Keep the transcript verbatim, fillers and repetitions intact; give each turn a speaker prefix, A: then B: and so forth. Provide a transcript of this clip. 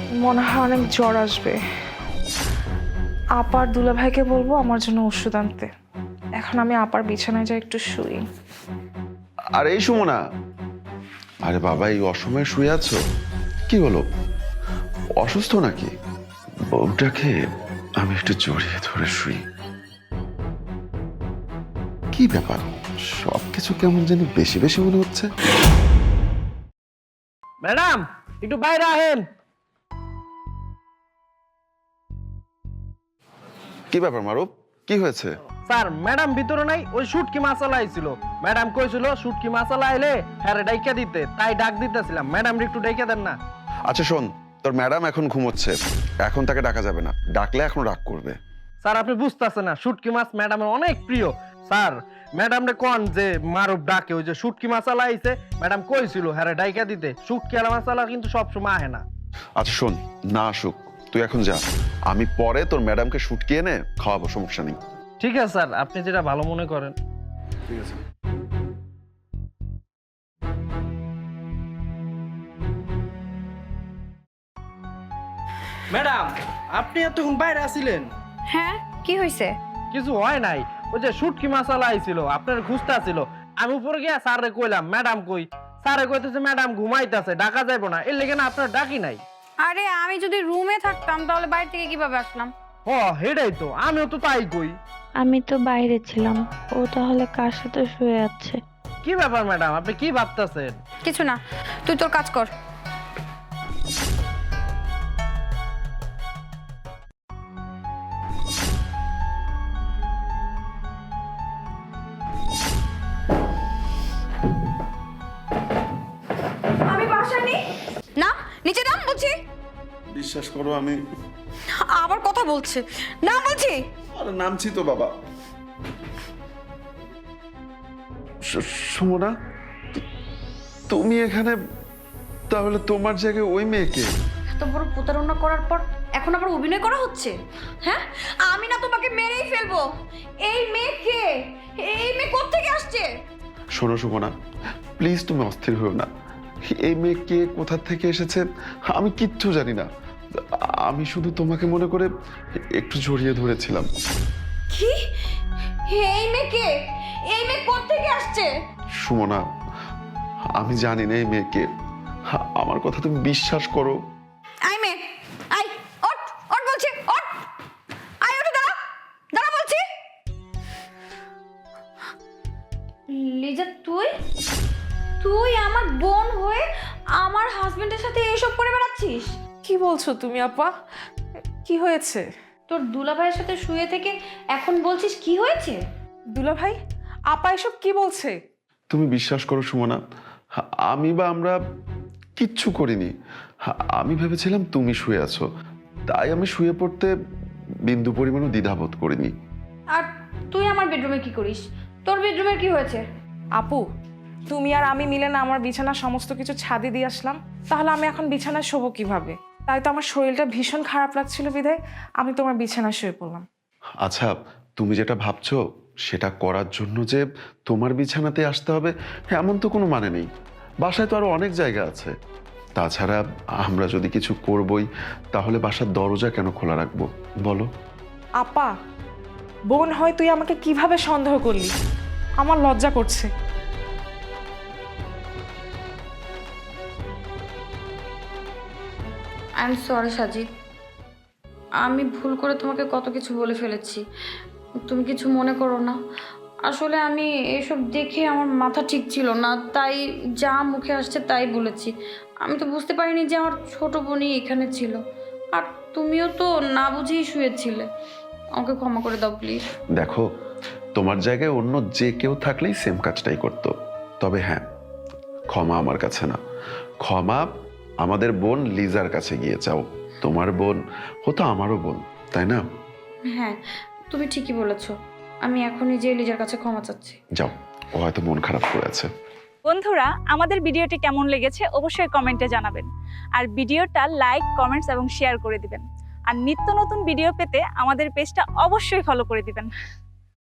A: মনে হয় অনেক জ্বর আসবে। আপার দুলাভাইকে বলবো আমার জন্য ওষুধ আনতে। এখন আমি আপার বিছানায় যাই একটু শুই।
B: আর এই সুমনা, আরে বাবা এই অসময়ে শুয়ে আছো, কি হলো, অসুস্থ নাকি? বউটাকে আমি একটু জড়িয়ে ধরে শুই। কি ব্যাপার, সবকিছু কেমন যেন বেশি বেশি মনে হচ্ছে।
C: ম্যাডাম একটু বাইরে আহেন।
B: কি ব্যাপার মারুফ, কি হয়েছে?
C: স্যার ম্যাডাম ভিতরে নাই, ওই শুটকি মাছালা আইছিল। ম্যাডাম কইছিল শুটকি মাছালা আইলে হ্যাঁ ডাইকা দিতে, তাই ডাক দিতেছিলাম। ম্যাডাম একটু ডাইকা দেন না।
B: আচ্ছা শোন, তোর ম্যাডাম এখন ঘুমোচ্ছে, এখন তাকে ডাকা যাবে না, ডাকলে এখন রাগ করবে।
C: স্যার আপনি বুঝতেছেন না, শুটকি মাছ ম্যাডামের অনেক প্রিয়। স্যার ম্যাডাম রে কোন যে মারুফ ডাকে, ওই যে শুটকি মাছালা আইছে, ম্যাডাম কইছিল হ্যাঁ ডাইকা দিতে। শুটকি আলা মাছালা কিন্তু সবসময় আহে না।
B: আচ্ছা শোন, না আসুক, তুই এখন যা, আমি পরে তোর ম্যাডামকে শুটকি এনে খাওয়াবো, সমস্যা নেই।
C: ঠিক আছে স্যার, আপনি যেটা ভালো মনে করেন।
B: ঠিক আছে।
C: ম্যাডাম আপনি এতক্ষণ বাইরে আছিলেন?
D: হ্যাঁ, কি হয়েছে?
C: কিছু হয় নাই, ওই যে শুটকি মাছালা আইছিল, আপনার খুঁজতে ছিল। আমি উপরে গিয়া স্যারে কইলাম ম্যাডাম কই, স্যারে কইতেছে ম্যাডাম ঘুমাইতেছে, ডাকা যাইব না। এর লেগে না আপনার ডাকি নাই।
D: আরে আমি যদি রুমে থাকতাম তাহলে বাইরে থেকে কিভাবে আসলাম?
C: ও হেডাই তো, আমিও তো তাই কই।
E: আমি তো বাইরে ছিলাম, ও তাহলে কার সাথে শুয়ে আছে?
C: কি ব্যাপার ম্যাডাম, আপনি কি ভাবতেছেন?
D: কিছু না, তুই তোর কাজ কর। আমি বাসায় নেই। না, নিচে নাম বলছি।
B: বিশ্বাস করো আমি
D: আবার কথা বলছে, না বলছি।
B: আরে নামছি তো বাবা। সুমনা, তুমি এখানে, তাহলে তোমার জায়গায় ওই মেয়েকে?
D: এত বড় প্রতারণা করার পর এখন আবার অভিনয় করা হচ্ছে? হ্যাঁ, আমি না তোমাকে মেরেই ফেলবো। এই মেয়ে কে? এই মেয়ে কোত্থেকে আসছে?
B: শোনো সুমনা, প্লিজ তুমি অস্থির হও না। এই মেয়ে কে, কোথা থেকে এসেছে আমি কিচ্ছু জানি না। আমি শুধু তোমাকে মনে করে একটু জড়িয়ে ধরেছিলাম।
D: কি? এই মেয়ে কে? এই মেয়ে কোত্থেকে আসছে?
B: সুমনা, আমি জানি না এই মেয়েকে, আমার কথা তুমি বিশ্বাস করো।
D: আই মেয়ে, আই ওঠ, ওঠ বলছি, ওঠ। আই ওঠ, দাঁড়া, দাঁড়া বলছি। লিজা, তুই তুই আমার বোন হয়ে আমার হাজবেন্ডের সাথে এইসব করে বেড়াচ্ছিস?
A: কি বলছো তুমি আপা? কি হয়েছে?
D: তোর দুলাভাইয়ের সাথে শুয়ে থেকে এখন বলছিস কি হয়েছে?
A: দুলাভাই, আপা এসব কি বলছে?
B: তুমি বিশ্বাস করো সুমনা, আমি বা আমরা কিচ্ছু করিনি। আমি ভেবেছিলাম তুমি শুয়ে আছো, তাই আমি শুয়ে পড়তে বিন্দু পরিমাণও দ্বিধাবোধ করিনি।
D: আর তুই আমার বেডরুমে কি করিস? তোর বেডরুমে কি হয়েছে?
A: আপু, তুমি আর আমি মিলে না আমার বিছানার সমস্ত কিছু ছাদে দিয়ে আসলাম, তাহলে আমি এখন বিছানায় শোবো কিভাবে? তাই তো আমার শরীরটা ভীষণ খারাপ লাগছিল বিধায় আমি তোমার বিছানায় শুয়ে পড়লাম।
B: আচ্ছা, তুমি যেটা ভাবছো সেটা করার জন্য যে তোমার বিছানাতে আসতে হবে এমন তো কোনো মানে নেই। বাসায় তো আরো অনেক জায়গা আছে। তাছাড়া আমরা যদি কিছু করবই, তাহলে বাসার দরজা কেন খোলা রাখবো বলো?
A: আপা, বোন হয় তুই আমাকে কিভাবে সন্দেহ করলি? আমার লজ্জা করছে।
D: আই এম সরি সাজিদ, আমি ভুল করে তোমাকে কত কিছু বলে ফেলেছি, তুমি কিছু মনে করো না। আসলে আমি এসব দেখে আমার মাথা ঠিক ছিল না, তাই যা মুখে আসছে তাই বলেছি। আমি তো বুঝতে পারিনি যে আমার ছোট বোনই এখানে ছিল, আর তুমিও তো না বুঝেই শুয়েছিলে। আমাকে ক্ষমা করে দাও প্লিজ।
B: দেখো, তোমার জায়গায় অন্য যে কেউ থাকলেই সেম কাজটাই করতো। তবে হ্যাঁ, ক্ষমা আমার কাছে না, ক্ষমা আমাদের বোন লিজার কাছে গিয়ে চাও। তোমার বোন হতো আমারও বোন, তাই না?
D: হ্যাঁ, তুমি ঠিকই বলেছো। আমি এখনই যে লিজার কাছে ক্ষমা চাচ্ছি।
B: যাও, ও হয়তো মন খারাপ করে আছে।
F: বন্ধুরা, আমাদের ভিডিওটি কেমন লেগেছে অবশ্যই কমেন্টে জানাবেন। আর ভিডিওটা লাইক, কমেন্টস এবং শেয়ার করে দিবেন। আর নিত্য নতুন ভিডিও পেতে আমাদের পেজটা অবশ্যই ফলো করে দিবেন।